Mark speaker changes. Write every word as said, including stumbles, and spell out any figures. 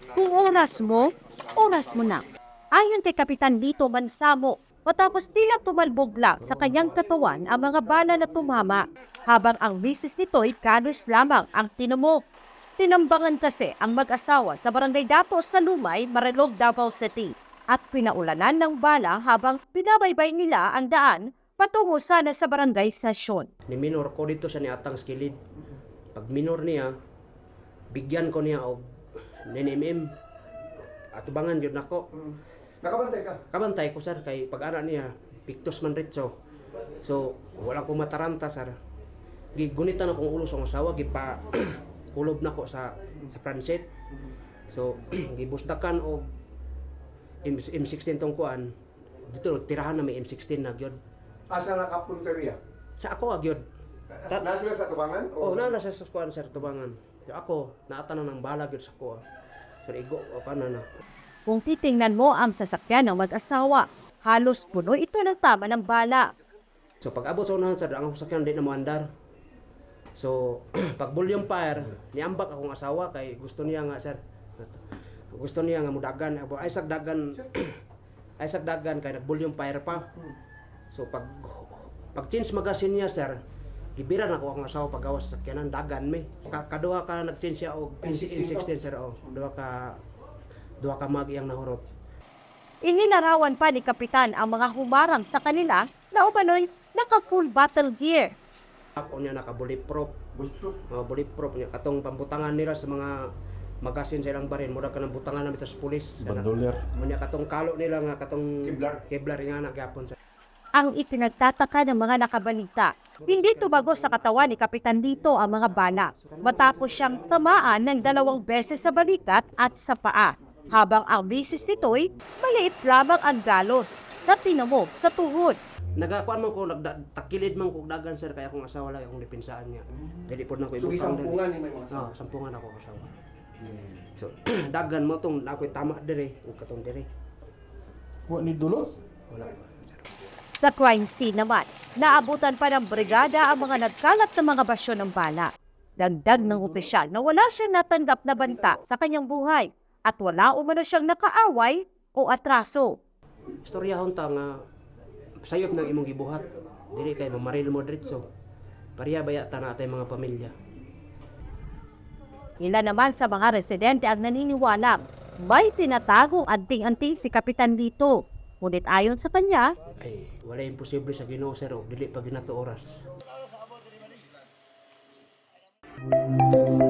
Speaker 1: Kung oras mo, oras mo na. Ayon kay Kapitan Lito Mansamo, matapos tila tumalbog lang sa kanyang katawan ang mga bala na tumama, habang ang misis nito'y kalos lamang ang tinamo. Tinambangan kasi ang mag-asawa sa barangay Dato sa Lumay, Marilog, Davao City at pinaulanan ng bala habang binabaybay nila ang daan patungo sana sa barangay session.
Speaker 2: Ni minor ko dito siya ni atang skilid. Pag minor niya, bigyan ko niya og nine millimeter. Atubangan yun ako.
Speaker 3: Hmm. Nakabantay ka?
Speaker 2: Kabantay ko sir, kay pag ana niya, pictus man ritso. So, wala ko mataranta sir. Gigunitan akong ulo sa asawa, gipa kulob na ko sa sa transit. So, gibusdakan og M sixteen tong kuan. Dito tirahan na may M sixteen na gyud.
Speaker 3: Asa nakapunteriya?
Speaker 2: Sa ako agyod.
Speaker 3: Nasa sila sa tubangan?
Speaker 2: Oh, na nasa sa kuan sir tubangan. So, ako naata na ng bala gyud sa kuha. Sir igo o kana na.
Speaker 1: Kung titingnan mo ang sasakyan ng mag-asawa, halos puno ito ng tama ng bala.
Speaker 2: So pag abot sa unahan sir, ang sasakyan di na mo andar. So pag volume fire, niambak akong asawa kay gusto niya nga sir. Gusto niya nga mudagan, ay sag dagan ay sag dagan kay nag volume fire pa. So pag pag change magasin niya sir, gibira na ko ang asawa pagawas sa sakyanan dagan mi. Kaduha ka nag-change siya og M sixteen sir oh. Duha ka duha ka mag iyang nahurot.
Speaker 1: Ininarawan pa ni Kapitan ang mga humarang sa kanila na umano'y naka-full battle gear.
Speaker 2: Ako niya naka bulletproof.
Speaker 3: Bulletproof?
Speaker 2: Uh, bulletproof niya. Katong pambutangan nila sa mga magasin sa ilang barin. Mura ka ng butangan namin sa pulis.
Speaker 4: Bandolier.
Speaker 2: Munya katong kalo nila nga katong
Speaker 3: Kevlar.
Speaker 2: Kevlar nga na gyapon.
Speaker 1: Ang itinagtataka ng mga nakabalita, hindi tumago sa katawan ni Kapitan Lito ang mga bala matapos siyang tamaan ng dalawang beses sa balikat at sa paa. Habang ang misis nito'y maliit lamang ang galos na tinamog sa tuhod.
Speaker 2: Nagakuan man ko, nagtakilid man ko dagan sir, kaya akong asawa lang akong depinsaan niya. Dili po na ko
Speaker 3: So
Speaker 2: ibutang
Speaker 3: isampungan ni may mga
Speaker 2: Oh,
Speaker 3: asawa?
Speaker 2: sampungan ako asawa. So dagan mo tong ako'y tama dire, ug katong dire.
Speaker 4: Wa ni dulos?
Speaker 2: Wala.
Speaker 1: Sa crime scene naman, naabutan pa ng brigada ang mga nagkalat na mga basyo ng bala. Dagdag ng opisyal na wala siyang natanggap na banta sa kanyang buhay at wala umano siyang nakaaway o atraso.
Speaker 2: Istoryahon ta nga sayop ng imong gibuhat. Dili kay mamaril mo diretso. Pareha baya ta na atay mga pamilya.
Speaker 1: Ilan naman sa mga residente ang naniniwala may tinatagong anting-anting si Kapitan Lito. Ngunit ayon sa kanya,
Speaker 2: Ay, wala imposible sa Ginoo sir, og dili pa ginato oras.